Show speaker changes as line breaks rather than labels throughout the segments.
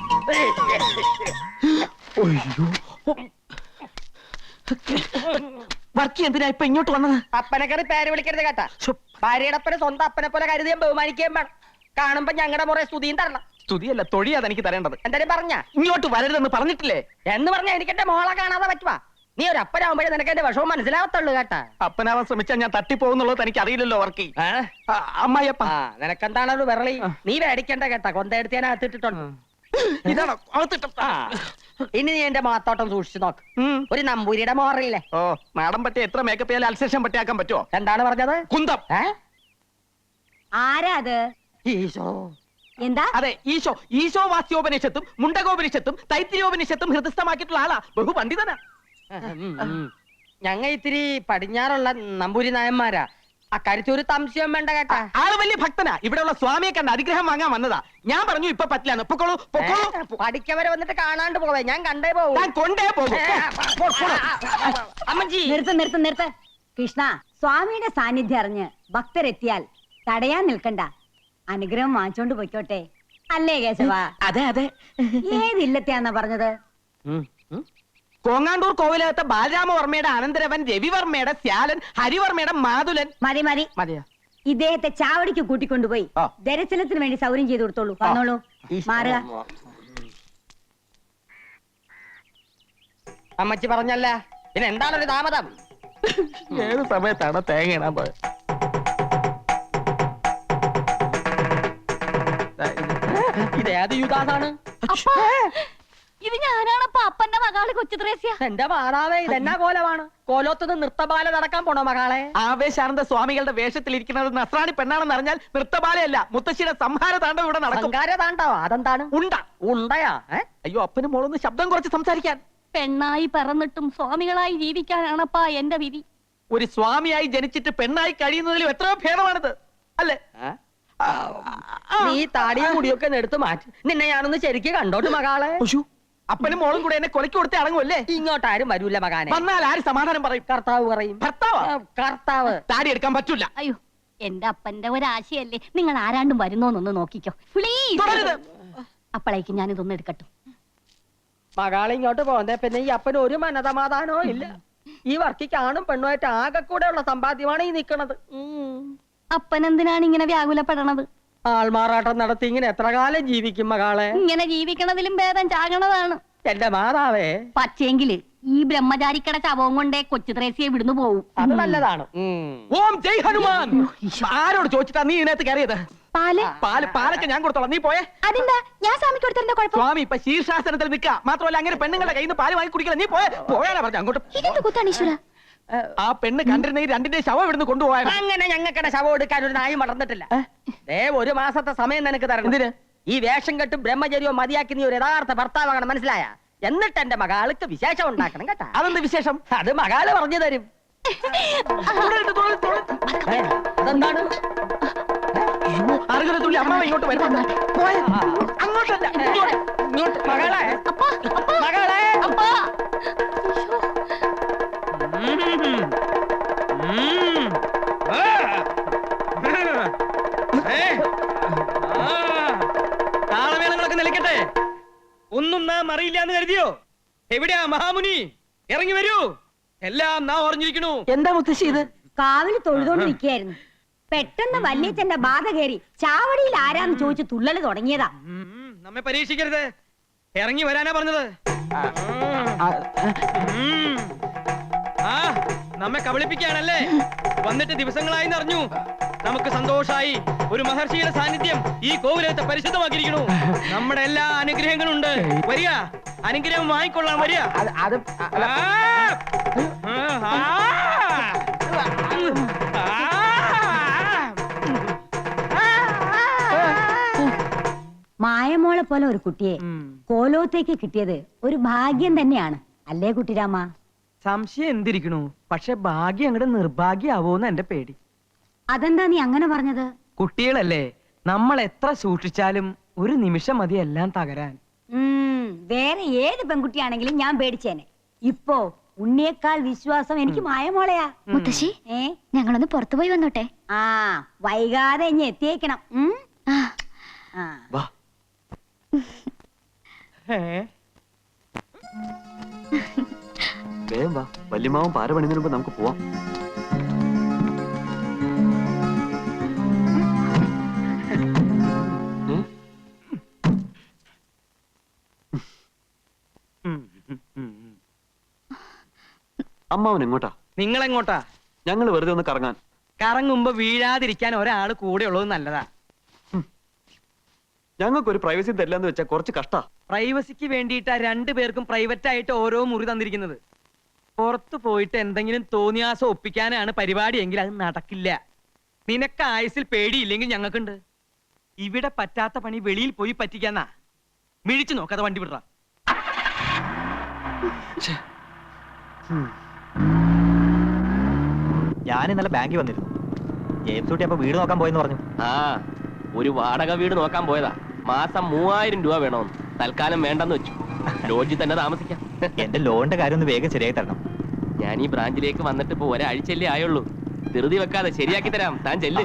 വർക്കി എന്തിനാ ഇപ്പൊ ഇങ്ങോട്ട് വന്നത്?
അപ്പനെ കയറി പേര് വിളിക്കരുത് കേട്ടാ. ഭാര്യയുടെ അപ്പനെ സ്വന്തം അപ്പനെ പോലെ കരുതിയും ബഹുമാനിക്കുകയും വേണം. കാണുമ്പോ ഞങ്ങളുടെ മുറേ സ്തുതിയും തരണം.
സ്തുതിയല്ല, തൊഴിയാതെ എനിക്ക് തരേണ്ടത്.
എന്തായാലും പറഞ്ഞ
ഇങ്ങോട്ട് വരരുതെന്ന് പറഞ്ഞിട്ടില്ലേ?
എന്ന് പറഞ്ഞാ എനിക്ക് എന്റെ മോളെ കാണാതെ പറ്റുവാ. നീ ഒരു അപ്പനാവുമ്പോഴേ നിനക്ക് എന്റെ വിഷമം മനസ്സിലാവത്തുള്ളൂ കേട്ടാ.
അപ്പനാവാൻ ശ്രമിച്ചാൽ ഞാൻ തട്ടിപ്പോകുന്നുള്ളത് എനിക്ക് അറിയില്ലല്ലോ വർക്കി. അമ്മായിയപ്പ
നിനക്കെന്താണ് ഒരു വിരളി? നീ മേടിക്കണ്ട കേട്ടാ. കൊന്തയെടുത്ത് ഞാൻ അകത്തിട്ടിട്ടുണ്ട്.
ഇതാണോ
ഇനി നീ എന്റെ മാത്തോട്ടം സൂക്ഷിച്ചു നോക്ക്. ഒരു നമ്പൂരിയുടെ മോറില്ലേ?
ഓ, മാഡം പറ്റിയ എത്ര മേക്കപ്പ് ചെയ്യാൻ അൽസേഷൻ പറ്റിയാക്കാൻ പറ്റുമോ?
എന്താണ് പറഞ്ഞത്?
കുന്തം.
ആരാ അത്?
ഈശോ.
എന്താ?
അതെ, ഈശോ. ഈശോ വാസ്യോപനിഷത്തും മുണ്ടകോപനിഷത്തും തൈത്തിരിയോപനിഷത്തും ഹൃദയസ്ഥമാക്കിയിട്ടുള്ള ആളാ. ബഹു പണ്ഡിതനാ.
ഞങ്ങ ഇത്തിരി പടിഞ്ഞാറുള്ള നമ്പൂരി നായന്മാരാ. അക്കാര്യത്തിൽ ഒരു സംശയം വേണ്ട കേട്ടാ.
ആള് വലിയ ഭക്തനാ. ഇവിടെയുള്ള സ്വാമിയെ കണ്ട് അനുഗ്രഹം വാങ്ങാൻ വന്നതാ. ഞാൻ പറഞ്ഞു ഇപ്പൊ പറ്റില്ലാന്ന്. പൊക്കോളൂ, പൊക്കോളൂ.
പഠിക്കവരെ വന്നിട്ട് കാണാണ്ട് പോവേ. ഞാൻ കണ്ടേ പോവൂ.
ഞാൻ കൊണ്ടേ പോകും.
അമ്മജി
നിർത്ത്. കൃഷ്ണ, സ്വാമിയുടെ സാന്നിധ്യം അറിഞ്ഞ് ഭക്തരെത്തിയാൽ തടയാൻ നിൽക്കണ്ട. അനുഗ്രഹം വാങ്ങിച്ചോണ്ട് പൊയ്ക്കോട്ടെ. അല്ലേ കേശവ?
അതെ അതെ.
ഏതില്ലത്തെയാന്നാ പറഞ്ഞത്?
കോങ്ങാണ്ടൂർ കോവിലകത്തെ ബാലരാമവർമ്മയുടെ അനന്തരവൻ രവിവർമ്മയുടെ ശ്യാലൻ ഹരിവർമ്മയുടെ മാതുലൻ.
മതി
മതിയോ?
ഇദ്ദേഹത്തെ ചാവടിക്ക് കൂട്ടിക്കൊണ്ടുപോയി ദർശനത്തിന് വേണ്ടി സൗകര്യം ചെയ്തു കൊടുത്തോളൂ. വന്നോളൂ, മാറുക.
അമ്മച്ചി പറഞ്ഞല്ല, പിന്നെ എന്താണൊരു താമതം?
ഏത് സമയത്താണ് തേങ്ങ ഇടാൻ പോയത്?
ഇതേത് യുഗാണ്?
ഇത് ഞാനാണപ്പ അപ്പന്റെ മകള് കൊച്ചുത്രേസ്യ.
എന്റെ മാതാവേ, ഇതെന്നാ കോലമാണ്? കോലോത്തുനിന്ന് നൃത്തബാല നടക്കാൻ പോണോ മകളെ?
ആവേശാനന്ദ സ്വാമികളുടെ വേഷത്തിലിരിക്കുന്നത് നസ്രാണി പെണ്ണാണെന്ന് അറിഞ്ഞാൽ നൃത്തബാലയല്ല, മുത്തശ്ശിയുടെ സംഹാര താണ്ഡവം ഇവിടെ നടക്കും.
താണ്ടാവോ? അതെന്താണ്? ഉണ്ടയാ?
അയ്യോ, അപ്പനും മോളൊന്ന് ശബ്ദം കുറച്ച് സംസാരിക്കാൻ.
പെണ്ണായി പറന്നിട്ടും സ്വാമികളായി ജീവിക്കാനാണപ്പാ എന്റെ വിധി.
ഒരു സ്വാമിയായി ജനിച്ചിട്ട് പെണ്ണായി കഴിയുന്നതിലും എത്രയോ ഭേദമാണിത്, അല്ലേ?
നീ താടിയും മുടിയൊക്കെ എടുത്ത് മാറ്റി. നിന്നെ ഞാനൊന്ന് ശരിക്ക് കണ്ടോട്ട് മകളെ.
അപ്പനും മോളും കൂടെ എന്നെ കൊലക്ക് കൊടുത്തേ അടങ്ങുമല്ലേ?
ഇങ്ങോട്ട് ആരും വരൂല മകാനെ.
വന്നാൽ ആര് സമാധാനം പറയും?
കർത്താവ് പറയും. കർത്താവ്
താടി എടുക്കാൻ പറ്റൂല.
അയ്യോ, എന്റെ അപ്പന്റെ ഒരാശയല്ലേ. നിങ്ങൾ ആരാണ്ടും വരുന്നോന്നൊന്ന് നോക്കിക്കോ പ്ലീസ്. അപ്പോഴേക്കും ഞാനിതൊന്നും എടുക്കട്ടെ.
മകളെ ഇങ്ങോട്ട് പോകുന്നേ പിന്നെ ഈ അപ്പന് ഒരു മനസമാധാനവും ഇല്ല. ഈ വർക്കിക്ക് ആണും പെണ്ണുമായിട്ട് ആകെ കൂടെ ഉള്ള സമ്പാദ്യമാണ് ഈ നിക്കണത്.
അപ്പനെന്തിനാണ് ഇങ്ങനെ വ്യാകുലപ്പെടണത്?
ആൾമാറാട്ടം നടത്തി ഇങ്ങനെ എത്ര കാലം ജീവിക്കും മകളെ?
ഇങ്ങനെ ജീവിക്കണതിലും ഭേദം ചാകണതാണ്.
എന്റെ മാതാവേ,
പക്ഷേങ്കില് ഈ ബ്രഹ്മചാരിക്കട ശവവും കൊണ്ടേ കൊച്ചു ത്രേസ്യെ വിടുന്നു പോവും.
അത് നല്ലതാണ്.
ഓം ജയ് ഹനുമാൻ. ആരോട് ചോദിച്ചിട്ടാ നീ ഇതിനകത്ത് കയറിയത്? പാലൊക്കെ ഞാൻ കൊടുത്തോളാം, നീ പോയേ.
അതെന്താ? ഞാൻ സ്വാമിക്ക് കൊടുത്തതിന്റെ കുഴപ്പം?
സ്വാമി ഇപ്പൊ ശീർഷാസനത്തിൽ നിൽക്കുക. മാത്രമല്ല അങ്ങനെ പെണ്ണുങ്ങളുടെ കയ്യിൽ നിന്ന് പാല് വാങ്ങി കുടിക്കില്ല. നീ പോയാലാ പറഞ്ഞു അങ്ങോട്ട്.
ഇതെന്ത് കുത്താണ് ഈശ്വര?
ആ പെണ്ണ് കണ്ടിരുന്ന ഈ രണ്ടിന്റെ ശവം ഇവിടുന്ന് കൊണ്ടുപോയാ.
അങ്ങനെ ഞങ്ങൾക്കടെ ശവം എടുക്കാൻ ഒരു നായി മറന്നിട്ടില്ല. ഒരു മാസത്തെ സമയം നിനക്ക് തരണം.
എന്തിന്?
ഈ വേഷം കെട്ടും ബ്രഹ്മചര്യവും മതിയാക്കി നീ ഒരു യഥാർത്ഥ ഭർത്താവാകണം, മനസ്സിലായ? എന്നിട്ട് എന്റെ മകാൾക്ക് വിശേഷം ഉണ്ടാക്കണം കേട്ടാ.
അതെന്ത് വിശേഷം?
അത് മകാള് പറഞ്ഞു തരും. അതെന്താണ്?
അറുകലത്തുള്ളി അമ്മ ഇങ്ങോട്ട് വരുന്നുണ്ട്. അങ്ങോട്ടല്ല,
ഇങ്ങോട്ട്. മകളെ, മകളെ.
താളമേളങ്ങളൊക്കെ നിലയ്ക്കട്ടെ. ഒന്നും നാം അറിയില്ലാന്ന് കരുതിയോ? എവിടെയാ മഹാമുനി? ഇറങ്ങി വരൂ. എല്ലാം നാം ഓർഞ്ഞിരിക്കണു. എന്താ മുത്തശ്ശി ഇത്?
കാവില് തൊഴുതോണ്ട് നിൽക്കുകയായിരുന്നു. പെട്ടെന്ന് വല്യച്ഛന്റെ ബാധ കയറി ചാവടിയിൽ ആരാന്ന് ചോദിച്ചു തുള്ളല് തുടങ്ങിയതാ.
നമ്മെ പരീക്ഷിക്കരുത്. ഇറങ്ങി വരാനാ പറഞ്ഞത്. നമ്മെ കബളിപ്പിക്കുകയാണല്ലേ? വന്നിട്ട് ദിവസങ്ങളായി അറിഞ്ഞു. നമുക്ക് സന്തോഷായി. ഒരു മഹർഷിയുടെ സാന്നിധ്യം ഈ കോവിലത്തെ പരിശുദ്ധമാക്കിയിരിക്കണു. നമ്മുടെ എല്ലാ അനുഗ്രഹങ്ങളും ഉണ്ട്. വരിക, അനുഗ്രഹം വാങ്ങിക്കൊള്ളാൻ വരിക.
മായമോളെ പോലെ ഒരു കുട്ടിയെ കോലോത്തേക്ക് കിട്ടിയത് ഒരു ഭാഗ്യം തന്നെയാണ്, അല്ലേ കുട്ടിരാമ?
സംശയം എന്തിരിക്കണു? പക്ഷെ ഭാഗ്യം അങ്ങോട്ട് നിർഭാഗ്യാവോന്ന് എന്റെ പേടി.
അതെന്താ നീ അങ്ങനെ പറഞ്ഞത്?
കുട്ടികളല്ലേ, നമ്മൾ എത്ര സൂക്ഷിച്ചാലും ഒരു നിമിഷം മതി എല്ലാം തകരാൻ.
വേറെ ഏത് പെൺകുട്ടിയാണെങ്കിലും ഞാൻ പേടിച്ചേനെ. ഇപ്പോ ഉണ്ണിയേക്കാൾ വിശ്വാസം എനിക്ക് മായമോളയാ.
മുത്തശ്ശി, ഞങ്ങളൊന്ന് പുറത്തു പോയി വന്നോട്ടെ.
വൈകാതെ ഇനി എത്തിയേക്കണം.
വേഗം വാ, വല്യമാവൻ പാര പണിതിന് മുമ്പ് നമുക്ക് പോവാം. അമ്മാവൻ എങ്ങോട്ടാ?
നിങ്ങൾ എങ്ങോട്ടാ?
ഞങ്ങൾ വെറുതെ ഒന്ന് കറങ്ങാൻ.
കറങ്ങുമ്പോ വീഴാതിരിക്കാൻ ഒരാള് കൂടെ ഉള്ളത് നല്ലതാ.
ഞങ്ങൾക്കൊരു പ്രൈവസി തരില്ലെന്ന് വെച്ചാൽ കുറച്ച് കഷ്ടാ.
പ്രൈവസിക്ക് വേണ്ടിയിട്ടാ രണ്ടുപേർക്കും പ്രൈവറ്റ് ആയിട്ട് ഓരോ മുറി തന്നിരിക്കുന്നത്. പുറത്തു പോയിട്ട് എന്തെങ്കിലും തോന്നിയാസം ഒപ്പിക്കാനാണ് പരിപാടി എങ്കിൽ അത് നടക്കില്ല. നിനക്ക് ആയുസിൽ പേടിയില്ലെങ്കിൽ ഞങ്ങൾക്കുണ്ട്. ഇവിടെ പറ്റാത്ത പണി വെളിയിൽ പോയി പറ്റിക്കാന്നാ. മിഴിച്ചു നോക്കാതെ വണ്ടി വിടറ.
ഞാൻ ഇന്നലെ ബാങ്കിൽ വന്നിരുന്നു. ജെയിംസ് കുട്ടി അപ്പൊ വീട് നോക്കാൻ പോയെന്ന് പറഞ്ഞു.
ആ, ഒരു വാടക വീട് നോക്കാൻ പോയതാ. മാസം 3000 രൂപ വേണമെന്ന്. തൽക്കാലം വേണ്ടെന്ന് വെച്ചു. ലോഡ്ജിൽ തന്നെ താമസിക്കാം.
എന്റെ ലോണിന്റെ കാര്യം ഒന്ന് വേഗം ശരിയായി തരണം.
ഞാൻ ഈ ബ്രാഞ്ചിലേക്ക് വന്നിട്ട് ഇപ്പൊ ഒരാഴ്ചയല്ലേ ആയുള്ളൂ. ധൃതി വെക്കാതെ ശരിയാക്കി തരാം. താൻ ചെല്ല്.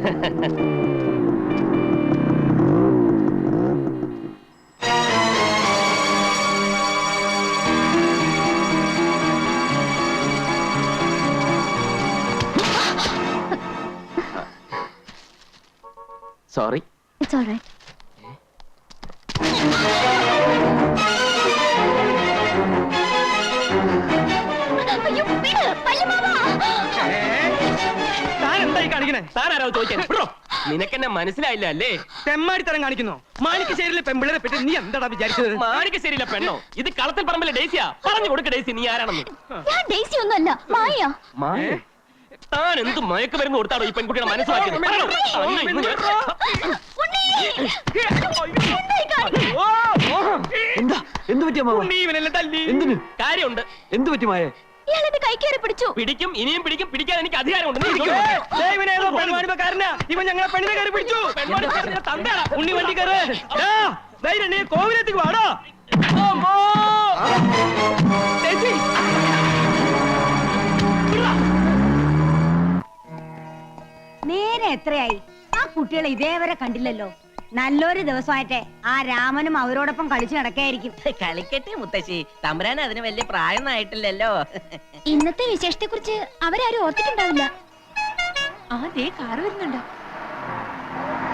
സോറി.
It's alright. അയ്യോ, വിട്, വല്യമാമാ.
താൻ എന്തായി കാണിക്കണേ?
താനാരോ ചോദിക്കാൻ? നിനക്കെന്നെ മനസ്സിലായില്ല അല്ലേ?
തെമ്മാടിത്തരം കാണിക്കുന്നോ? മാണിക്കശ്ശേരിയിലെ പെമ്പിളരെ പറ്റി നീ എന്താടാ വിചാരിച്ചത്?
മാണിക്കശ്ശേരിയിലെ പെണ്ണോ? ഇത് കളത്തിൽ പറമ്പിലെ ഡേസിയാ. പറഞ്ഞു കൊടുക്ക ഡേസി, നീ ആരാണെന്ന്.
ഞാൻ ഡേസി ഒന്നുമല്ല, മായ.
മായ? താൻ എന്ത് മയക്ക് മരുന്ന് കൊടുത്താടോ ഈ പെൺകുട്ടിയുടെ മനസ്സിലാക്കിയത്? പറയണോ? അന്ന് ഇന്ന്
എന്താ? എന്ത് പറ്റിയ മാവ?
നീ ഇവനെല്ലാം തല്ലി.
എന്തിന്?
കാര്യമുണ്ട്.
എന്ത് പറ്റി മായേ?
ഇയാളെന്റെ കൈ കയറി പിടിച്ചു.
പിടിക്കും, ഇനിയും പിടിക്കും. പിടിക്കാൻ എനിക്ക് അധികാരമുണ്ട്. നീ ഇരിക്കൂ.
ഇവനേതോ പെൺവാണിപ്പക്കാരനാ. ഇവൻ ഞങ്ങളെ പെണ്ണിനെ കയറി പിടിച്ചു.
പെൺവാണിപ്പക്കാരന്റെ തന്തയാടാ.
ഉണ്ണി വണ്ടി കയറ്. ധൈര്യം നീ കോവിലെത്തിക്ക് വാടോ. ചേച്ചി,
നേരെ എത്രയായി? ആ കുട്ടികളെ ഇതേവരെ കണ്ടില്ലല്ലോ. നല്ലൊരു ദിവസമായിട്ടെ ആ രാമനും അവരോടൊപ്പം കളിച്ചു നടക്കായിരിക്കും.
കളിക്കട്ടെ മുത്തശ്ശി, തമ്പുരാൻ അതിന് വലിയ പ്രായമൊന്നും ആയിട്ടില്ലല്ലോ.
ഇന്നത്തെ വിശേഷത്തെ കുറിച്ച് അവരാരും ഓർത്തിട്ടുണ്ടാവില്ല.
ആ, ദേ കാറ് വരുന്നുണ്ട്.